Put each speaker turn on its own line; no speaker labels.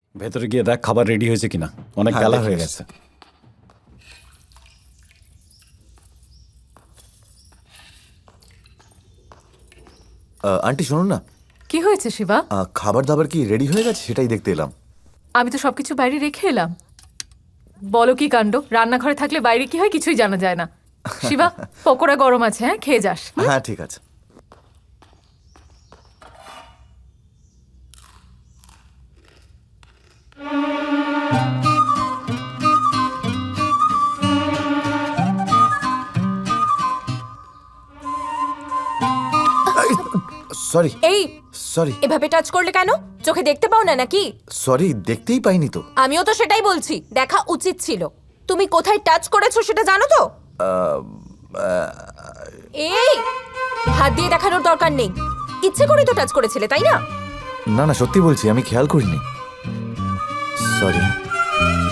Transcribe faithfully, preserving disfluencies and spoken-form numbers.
ভেতরে গিয়ে দেখ খাবার রেডি হয়েছে কিনা, অনেক
হ্যাঁ,
বেলা
দেখে
হয়ে
এসছি।
গেছে।
আহ, আন্টি শুনুন না,
কি হয়েছে শিবা?
আহ, খাবার দাবার কি রেডি হয়ে গেছে সেটাই দেখতে এলাম।
আমি তো সবকিছু বাইরে রেখে এলাম। বলো কি কাণ্ড, রান্নাঘরে থাকলে বাইরে কি হয় কিছুই জানা যায় না। শিবা, পকোড়া গরম আছে, হ্যাঁ খেয়ে যাস।
হ্যাঁ ঠিক আছে। সরি
এই
সরি
এভাবে টাচ করলে কেন? চোখে দেখতে পাও না নাকি?
সরি, দেখতেই পাইনি তো।
আমিও তো সেটাই বলছি, দেখা উচিত ছিল। তুমি কোথায় টাচ করেছো সেটা জানো তো? এই হাত দিয়ে দেখানোর দরকার নেই, ইচ্ছে করে তো টাচ করেছিলে তাই না?
না না, সত্যি বলছি, আমি খেয়াল করিনি। সরি।